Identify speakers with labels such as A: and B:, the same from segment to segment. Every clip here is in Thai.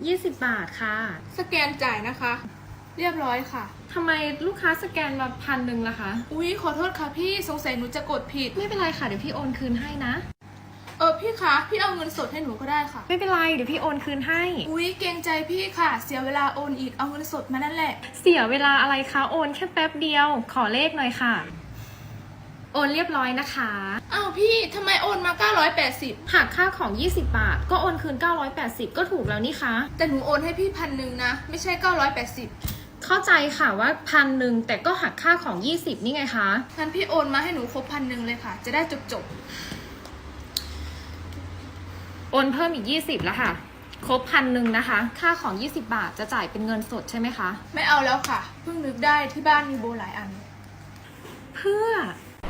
A: 20 บาทค่ะ
B: สแกนจ่ายนะคะ เรียบร้อยค่ะ
A: ทำไมลูกค้าสแกนมา1,000ล่ะคะ
B: อุ๊ยขอโทษค่ะพี่สงสัยหนูจะกดผิด
A: ไม่เป็นไรค่ะเดี๋ยวพี่โอนคืนให้นะ
B: พี่คะพี่เอาเงินสดให้หนูก็ได้ค่ะ
A: ไม่เป็นไรเดี๋ยวพี่โอนคืนให้
B: อุ๊ยเกรงใจพี่ค่ะเสียเวลาโอนอีกเอาเงินสดมานั่นแหละ
A: เสียเวลาอะไรคะโอนแค่แป๊บเดียวขอเลขหน่อยค่ะโอนเรียบร้อยนะคะ
B: อ้าวพี่ทำไมโอนมา980
A: หักค่าของ20 บาทก็โอนคืน980ก็ถูกแล้วนี่คะ
B: แต่หนูโอนให้พี่1,000นะไม่ใช่980
A: เข้าใจค่ะว่า1,000แต่ก็หักค่าของ20นี่ไงคะ
B: งั้นพี่โอนมาให้หนูครบ1,000เลยค่ะจะได้จบ
A: โอนเพิ่มอีก20แล้วค่ะครบ1,000นะคะค่าของ20 บาทจะจ่ายเป็นเงินสดใช่ไหมคะ
B: ไม่เอาแล้วค่ะเพิ่งนึกได้ที่บ้านมีโบหลายอัน
A: เพื่อ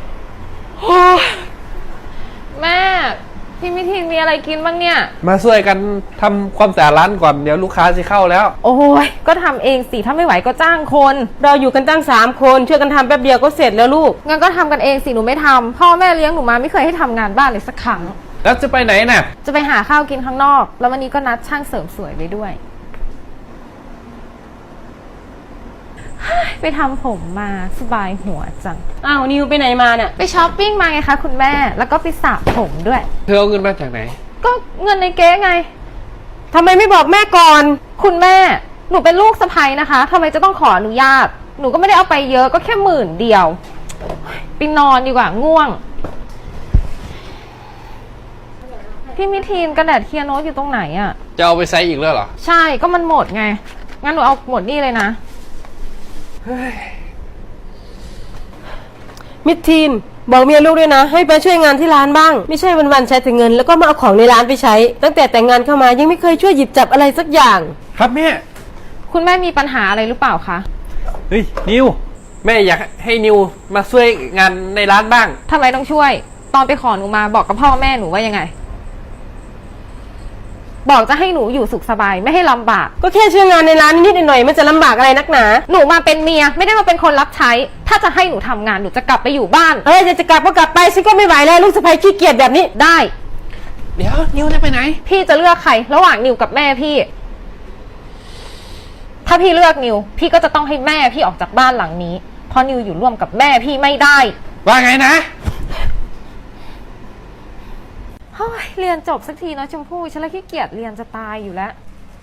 A: แม่พี่มิทินมีอะไรกินบ้างเนี่ย
C: มาช่วยกันทำความสะอาดร้านก่อนเดี๋ยวลูกค้าจะเข้าแล้ว
A: โอ้ยก็ทำเองสิถ้าไม่ไหวก็จ้างคน
D: เราอยู่กันตั้ง3 คนช่วยกันทำแป๊บเดียวก็เสร็จแล้วลูก
A: งั้นก็ทำกันเองสิหนูไม่ทำพ่อแม่เลี้ยงหนูมาไม่เคยให้ทำงานบ้านเลยสักครั้ง
C: แล้วจะไปไหนน่ะ
A: จะไปหาข้าวกินข้างนอกแล้ววันนี้ก็นัดช่างเสริมสวยไว้ด้วยไปทำผมมาสบายหัวจัง
D: อ้าวนิวไปไหนมาเนี่ย
A: ไปช้อปปิ้งมาไงคะคุณแม่แล้วก็ไปสระผมด้วย
C: เธอเอาเงินมาจากไหน
A: ก็เงินในเก๊ไง
D: ทำไมไม่บอกแม่ก่อน
A: คุณแม่หนูเป็นลูกสะใภ้นะคะทำไมจะต้องขออนุญาตหนูก็ไม่ได้เอาไปเยอะก็แค่10,000ไปนอนดีกว่าง่วงพี่มิทีนกระดาษเคลียร์โน้ตอยู่ตรงไหนอะ
C: จะเอาไปใช้อีกแล้วเหรอ
A: ใช่ก็มันหมดไงงั้นหนูเอาหมดนี่เลยนะ
D: มิดทีนบอกเมียลูกด้วยนะให้ไปช่วยงานที่ร้านบ้างไม่ใช่วันๆใช้แต่เงินแล้วก็มาเอาของในร้านไปใช้ตั้งแต่แต่งงานเข้ามายังไม่เคยช่วยหยิบจับอะไรสักอย่าง
C: ครับแม่
A: คุณแม่มีปัญหาอะไรหรือเปล่าคะ
C: เฮ้ยนิวแม่อยากให้นิวมาช่วยงานในร้านบ้าง
A: ทำไมต้องช่วยตอนไปขอหนูมาบอกกับพ่อแม่หนูว่ายังไงบอกจะให้หนูอยู่สุขสบายไม่ให้ลำบาก
D: ก็แค่ช่วยงานในร้านนิดๆหน่อยๆมันจะลำบากอะไรนักหนา
A: หนูมาเป็นเมียไม่ได้มาเป็นคนรับใช้ถ้าจะให้หนูทำงานหนูจะกลับไปอยู่บ้าน
D: จะกลับก็กลับไปฉันก็ไม่ไหวแล้วลูกสะใภ้ขี้เกียจแบบนี้
A: ได้
C: เดี๋ยวนิวจะไปไหน
A: พี่จะเลือกใครระหว่างนิวกับแม่พี่ถ้าพี่เลือกนิวพี่ก็จะต้องให้แม่พี่ออกจากบ้านหลังนี้เพราะนิวอยู่ร่วมกับแม่พี่ไม่ได้
C: ว่าไงนะ
A: เรียนจบสักทีนะชมพู่ฉันเลยขี้เกียจเรียนจะตายอยู่แล้ว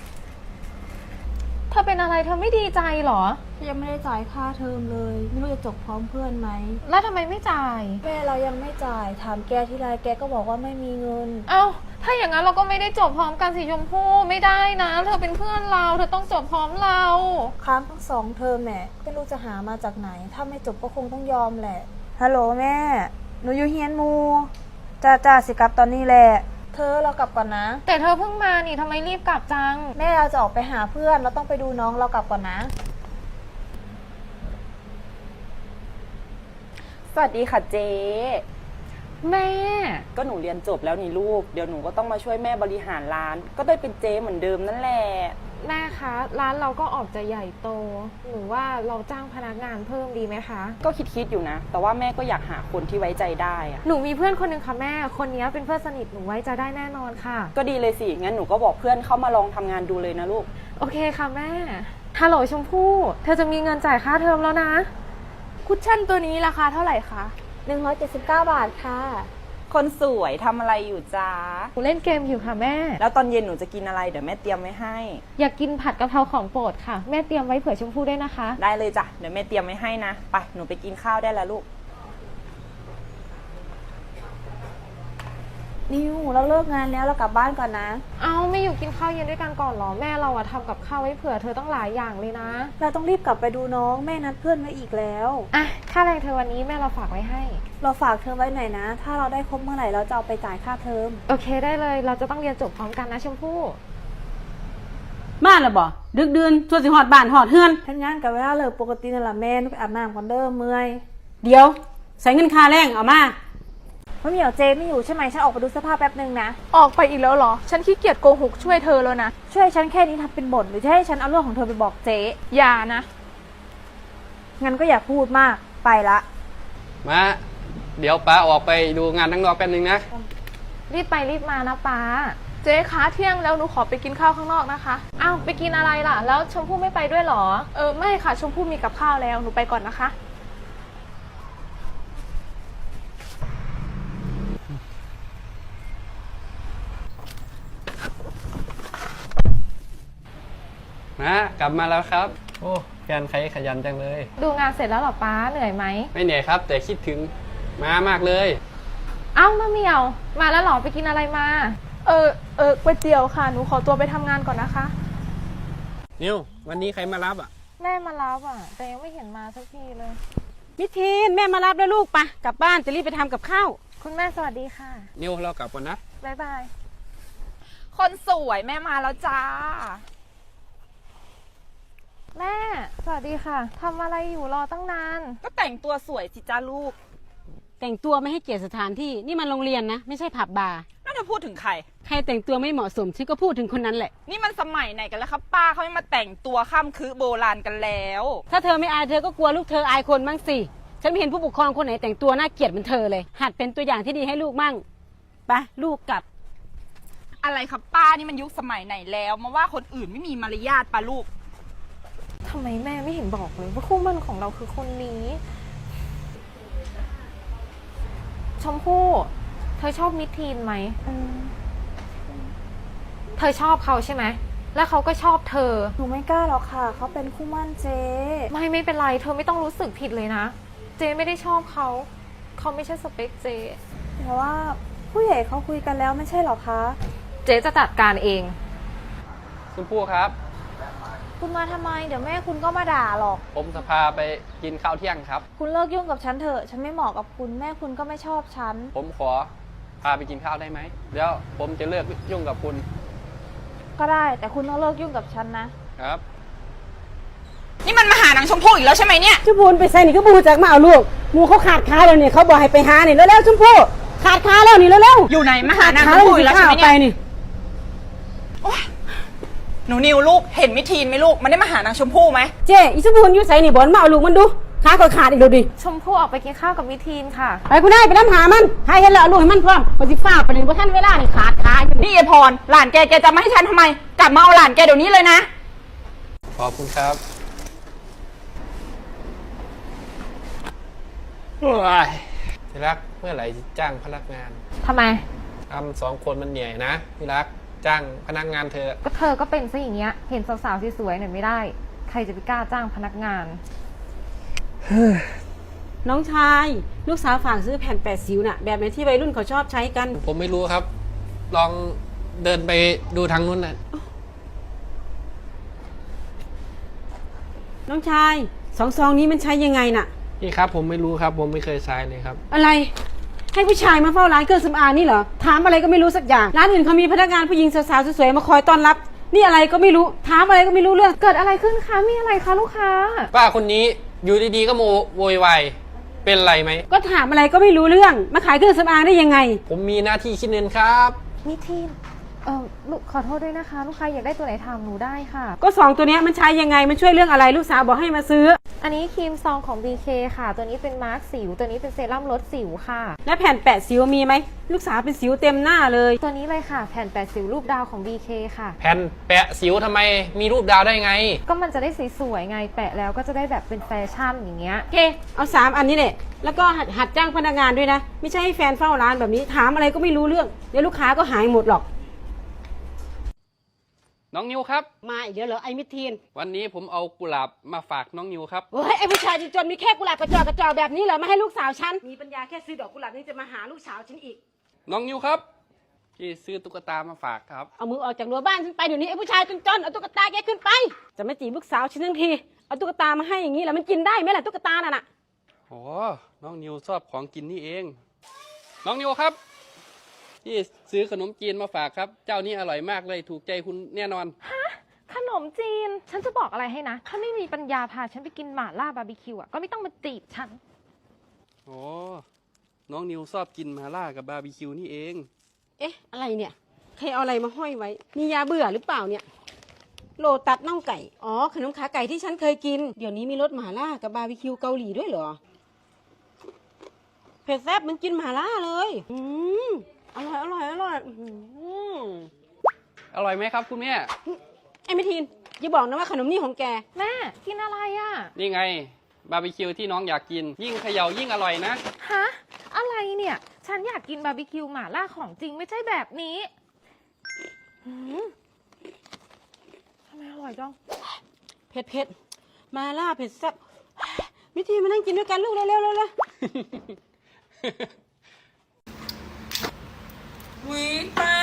A: เธอเป็นอะไรเธอไม่ดีใจหรอ
E: ยังไม่ได้จ่ายค่าเทอมเลยไม่รู้จะจบพร้อมเพื่อนไหม
A: แล้วทำไมไม่จ่าย
E: แม่เรายังไม่จ่ายถามแกที่ไรแกก็บอกว่าไม่มีเงิน
A: เอ้าถ้าอย่างนั้นเราก็ไม่ได้จบพร้อมกันสิชมพู่ไม่ได้นะเธอเป็นเพื่อนเราเธอต้องจบพร้อมเรา
E: ค้างทั้ง2 เทอมแม่ไม่รู้จะหามาจากไหนถ้าไม่จบก็คงต้องยอมแหละฮัลโหลแม่หนูอยู่เฮียนมูจ้าสิกลับตอนนี้แหละเธอเรากลับก่อนนะ
A: แต่เธอเพิ่งมานี่ทำไมรีบกลับจัง
E: แม่เราจะออกไปหาเพื่อนเราต้องไปดูน้องเรากลับก่อนนะ
F: สวัสดีค่ะเจ๊
A: แม่
F: ก็หนูเรียนจบแล้วนี่ลูกเดี๋ยวหนูก็ต้องมาช่วยแม่บริหารร้านก็ได้เป็นเจ๊เหมือนเดิมนั่นแหละ
A: แม่คะร้านเราก็ออกจะใหญ่โตหนูว่าเราจ้างพนักงานเพิ่มดีไหมคะ
F: ก็คิดอยู่นะแต่ว่าแม่ก็อยากหาคนที่ไว้ใจได้อะ
A: หนูมีเพื่อนคนหนึ่งค่ะแม่คนนี้เป็นเพื่อนสนิทหนูไว้ใจได้แน่นอนค่ะ
F: ก็ดีเลยสิงั้นหนูก็บอกเพื่อนเข้ามาลองทำงานดูเลยนะลูก
A: โอเคค่ะแม่ฮัลโหลชมพู่เธอจะมีเงินจ่ายค่าเทอมแล้วนะ
B: คุชชั่นตัวนี้ราคาเท่าไหร่คะ
E: 179 บาทค่ะ
F: คนสวยทำอะไรอยู่จ้า
A: หนูเล่นเกมอยู่ค่ะแม่
F: แล้วตอนเย็นหนูจะกินอะไรเดี๋ยวแม่เตรียมไว้ให้
A: อยากกินผัดกะเพราของโปรดค่ะแม่เตรียมไว้เผื่อชมพู่ด้วยนะคะ
F: ได้เลยจ้ะเดี๋ยวแม่เตรียมไว้ให้นะไปหนูไปกินข้าวได้แล้วลูก
E: นิวเราเลิกงานแล้วเรากลับบ้านก่อนนะ
A: เอาไม่อยู่กินข้าวเย็นด้วยกันก่อนหรอแม่เราอะทำกับข้าวไว้เผื่อเธอต้องหลายอย่างเลยนะ
E: เราต้องรีบกลับไปดูน้องแม่นัดเพื่อนไว้อีกแล้ว
A: อ่ะค่าแรงเธอวันนี้แม่เราฝากไว้ให้
E: เราฝากเธอไว้หน่อยนะถ้าเราได้ครบเมื่อไหร่เราจะเอาไปจ่ายค่าเทอม
A: โอเคได้เลยเราจะต้องเรียนจบพร้อมกันนะชมพู่
D: มาแล้วบ่ดึกดื่นส่วนสิหอดบ้านหอดเฮือน
E: ทำงานกับเวลาเลิกปกตินั่นแหละแม่นุไปอาบน้ำก่อนเด้อเมื่อย
D: เดี๋ยวใส่เงินค่าแรงเอามา
E: ไม่มีเจไม่อยู่ใช่ไหมฉันออกไปดูเสื้อผ้าแป๊บนึงนะ
B: ออกไปอีกแล้วเหรอฉันขี้เกียจโกหกช่วยเธอแล้วนะ
E: ช่วยฉันแค่นี้ทำเป็นบ่นหรือจะให้ฉันเอาเรื่องของเธอไปบอกเจ๊
B: อย่านะ
E: งั้นก็อย่าพูดมากไปละ
C: มาเดี๋ยวป้าออกไปดูงานทั้งนอกแป๊บนึงนะ
A: รีบไปรีบมานะป้า
B: เจ๊คะเที่ยงแล้วหนูขอไปกินข้าวข้างนอกนะคะ
A: อ้าวไปกินอะไรล่ะ แล้วชมพู่ไม่ไปด้วยเหรอ
B: ไม่ค่ะชมพู่มีกับข้าวแล้วหนูไปก่อนนะคะ
C: กลับมาแล้วครับ โอ้แฟนใครขยันจังเลย
A: ดูงานเสร็จแล้วเหรอป้าเหนื่อยไหม
C: ไม่เหนื่อยครับ แต่คิดถึงม้ามากเลย
A: เอ้ามะเหมียว มาแล้วเหรอไปกินอะไรมา
B: ก๋วยเตี๋ยวค่ะหนูขอตัวไปทำงานก่อนนะคะ
C: นิววันนี้ใครมารับอ่ะ
A: แม่มารับอ่ะ แต่ยังไม่เห็นมาสักทีเลย
D: มิทีนแม่มารับแล้วลูกปะกลับบ้านจะรีบไปทำกับข้าว
A: คุณแม่สวัสดีค่ะ
C: นิวเรากลับก่อนนะ
A: บ๊ายบาย
B: คนสวยแม่มาแล้วจ้า
A: แม่ สวัสดีค่ะทำอะไรอยู่รอตั้งนาน
F: ก็แต่งตัวสวยสิจ้าลูก
D: แต่งตัวไม่ให้เกียรติสถานที่นี่มันโรงเรียนนะไม่ใช่ผับบาร์
F: น่าจะพูดถึงใคร
D: ใครแต่งตัวไม่เหมาะสมฉันก็พูดถึงคนนั้นแหละ
F: นี่มันสมัยไหนกันแล้วครับป้าเขาไม่มาแต่งตัวข้ามคือโบราณกันแล้ว
D: ถ้าเธอไม่อายเธอก็กลัวลูกเธออายคนบ้างสิฉันไม่เห็นผู้ปกครองคนไหนแต่งตัวน่าเกลียดเหมือนเธอเลย หัดเป็นตัวอย่างที่ดีให้ลูกมั่งไปลูกกลับ
F: อะไรครับป้านี่มันยุคสมัยไหนแล้วมาว่าคนอื่นไม่มีมารยาทป้าลูก
A: ทำไมแม่ไม่เห็นบอกเลยว่าคู่หมั่นของเราคือคนนี้ ชมพู่ เธอชอบมิทีนไหม เธอชอบเขาใช่ไหม แล้วเขาก็ชอบเธอ
E: หนูไม่กล้าหรอกค่ะเขาเป็นคู่หมั่นเจ๊
A: ไม่เป็นไร เธอไม่ต้องรู้สึกผิดเลยนะ เจไม่ได้ชอบเขา เขาไม่ใช่สเปคเจ
E: แต่ว่าผู้ใหญ่เขาคุยกันแล้วไม่ใช่หรอคะ
A: เจจะจัดการเอง
C: คุณพู่ครับ
E: คุณมาทำไมเดี๋ยวแม่คุณก็มาด่าหรอก
C: ผมจะพาไปกินข้าวเที่ยงครับ
E: คุณเลิกยุ่งกับฉันเถอะฉันไม่เหมาะกับคุณแม่คุณก็ไม่ชอบฉัน
C: ผมขอพาไปกินข้าวได้ไหมเดี๋ยวผมจะเลิกยุ่งกับคุณ
E: ก็ได้แต่คุณต้องเลิกยุ่งกับฉันนะ
C: ครับ
F: นี่มันมาหานางชมพู่อีกแล้วใช่ไหมเนี่ย
D: ชมพูไปใส่นี่ก็บูจากมาเอาลูกหมูเขาขาดขาแล้วนี่เขาบอกให้ไปหานี่แล้วชมพู่ขาดขาแล้วนี่แล้ว
F: อยู่ไหนมาหานาง
D: ขา
F: ชมพู่อีกแล้วใช่ไหม
D: ไป
F: เนี่ย
D: นี่
F: หนูนิวลูกเห็นมิทีนไหมลูกมันได้มาหานางชมพู่ไหม
D: เจ๊อีชมพูอยู่ใส่นี่บอลมาเอาลูกมันดูขาก็ขาดอีกแล้วดิ
A: ชมพู่ออกไปกินข้าวกับมิทีนค่ะ
D: ไปคุณนายไปน้ำหามันให้เห็นแล้วเอาลูกให้มันพร้อมปฏิฟ้าไปเลยว่าท่านเวลานี่ขาดขาอยู่
F: นี่ไอพรหลานแกจะมาให้ฉันทำไม กลับมาเอาหลานแกเดี๋ยวนี้เลยนะ
C: ขอบคุณครับโอ้ยที่รักเมื่อไหร่จะจ้างพนักงาน
A: ทำไม
C: ทำ2 คนมันเหนื่อยนะที่รักจ้างพนักงานเธอ
A: ก็เธอก็เป็นซะอย่างเงี้ย เห็นสาวๆสวยๆหน่อยไม่ได้ ใครจะไปกล้าจ้างพนักงาน
D: น้องชายลูกสาวฝากซื้อแผ่นแปดสิวน่ะแบบไหนที่วัยรุ่นเขาชอบใช้กัน
C: ผมไม่รู้ครับ ลองเดินไปดูทางนู้นนะ
D: น้องชายซองนี้มันใช้ยังไงน่ะ
C: นี่ครับผมไม่รู้ครับ ผมไม่เคยใช้เลยครับ
D: อะไร ให้ผู้ชายมาเฝ้าร้านเครื่องสำอางนี่เหรอถามอะไรก็ไม่รู้สักอย่างร้านอื่นเขามีพนักงานผู้หญิงสาวๆสวยๆมาคอยต้อนรับ นี่อะไรก็ไม่รู้ถามอะไรก็ไม่รู้เรื่อง
A: เกิดอะไรขึ้นคะ มีอะไรคะลูกค้า
C: ป้าคนนี้อยู่ดีๆก็โวยวายเป็นไรไหม
D: ก็ถามอะไรก็ไม่รู้เรื่องมาขายเครื่องสำอางได้ยังไง
C: ผมมีหน้าที่คิดเงินครับ
A: มิทีนลูกขอโทษด้วยนะคะ ลูกค้าอยากได้ตัวไหนถามหนูได้ค่ะ
D: ก็2ตัวเนี้ยมันใช้ยังไงมันช่วยเรื่องอะไรลูกสาวบอกให้มาซื้อ
A: อันนี้ครีมซองของ BK ค่ะ ตัวนี้เป็นมาร์คสิว ตัวนี้เป็นเซรั่มลดสิวค่ะ
D: และแผ่นแปะสิวมีไหมลูกสาวเป็นสิวเต็มหน้าเลย
A: ตัวนี้เลยค่ะ แผ่นแปะสิวรูปดาวของ BK ค่ะ
C: แผ่นแปะสิวทำไมมีรูปดาวได้ไง
A: ก็มันจะได้สวยๆไง แปะแล้วก็จะได้แบบเป็นแฟชั่นอย่างเงี้ย
D: โอเคเอา3อันนี้แหละแล้วก็หัดจ้างพนักงานด้วยนะไม่ใช่ให้แฟนเฝ้าร้านแบบนี้ถามอะไรก็ไม่รู้เรื่องเดี๋ยวลูกค้าก็หายหมดหรอก
C: น้องนิวครับ
D: มาอีกเดี๋ยวเหรอไอ้มิทีน
C: วันนี้ผมเอากุหลาบมาฝากน้องนิวครับ
D: เฮ้ยไอ้ผู้ชายจนๆมีแค่กุหลาบกระจอกแบบนี้เหรอมาให้ลูกสาวฉันมีปัญญาแค่ซื้อดอกกุหลาบนี่จะมาหาลูกสาวฉันอีก
C: น้องนิวครับพี่ซื้อตุ๊กตามาฝากครับ
D: เอามือออกจากรั้วบ้านฉันไปเดี๋ยวนี้ไอ้ผู้ชายจนๆเอาตุ๊กตาแกขึ้นไปจะไม่จีบลูกสาวฉันทั้งทีเอาตุ๊กตามาให้อย่างนี้แล้วมันกินได้ไหมล่ะตุ๊กตาน่ะ
C: โอ้น้องนิวชอบของกินนี่เอง น้องนิวครับพี่ซื้อขนมจีนมาฝากครับ เจ้านี้อร่อยมากเลยถูกใจคุณแน่นอน
A: ขนมจีน ฉันจะบอกอะไรให้นะ ถ้าไม่มีปัญญาพาฉันไปกินหม่าล่าบาร์บีคิวอ่ะ ก็ไม่ต้องมาจีบฉัน
C: โอ้น้องนิวชอบกินมาล่ากับบาร์บีคิวนี่เอง
D: เอ๊ะอะไรเนี่ยใครเอาอะไรมาห้อยไว้มียาเบื่อหรือเปล่าเนี่ยโลตัดน่องไก่อ๋อขนมขาไก่ที่ฉันเคยกินเดี๋ยวนี้มีรสหม่าล่ากับบาร์บีคิวเกาหลีด้วยเหรอเผ็ดแซ่บมันกินหม่าล่าเลยอร่อย
C: อร่อยไหมครับคุณแม่
D: ไอ้มิทีนอย่าบอกนะว่าขนมนี่ของแก
A: แม่กินอะไรอะ
C: นี่ไงบาร์บีคิวที่น้องอยากกิน ยิ่งเขย่ายิ่งอร่อยนะ
A: ฮะอะไรเนี่ย ฉันอยากกินบาร์บีคิวหม่าล่าของจริงไม่ใช่แบบนี้หืมทำไมอร่อยจัง
D: เผ็ดมาล่าเผ็ดแซ่บมิทีนมานั่งกินด้วยกันลูกเร็วๆเร็ว
F: วิตา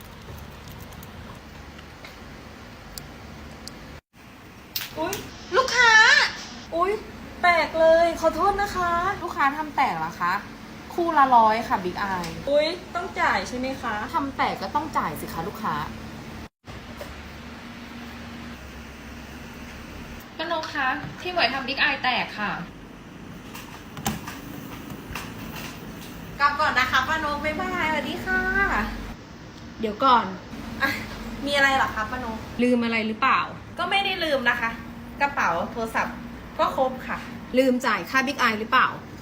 B: ลูกค้า
F: อุ๊ย แตกเลย ขอโทษนะคะ
B: ลูกค้าทำแตกเหรอคะ คู่ละ100ค่ะบิ๊กไอ
F: อุ๊ย ต้องจ่ายใช่ไหมคะ
B: ทำแตกก็ต้องจ่ายสิคะลูกค้า
A: ป้านกคะที่หมวยทำบิ๊กไอแตกค่ะ
E: กลับก่อนนะคะป้านกบ๊ายบายสวัสดีค่ะ
D: ๆเดี๋ยวก่อน
E: มีอะไรเหรอคะป้านก
D: ลืมอะไรหรือเปล่า
E: ก็ไม่ได้ลืมนะคะ กระเป๋าโทรศัพท์ก็ครบค่ะ
D: ลืมจ่ายค่าบิ๊กไอหรือเปล่า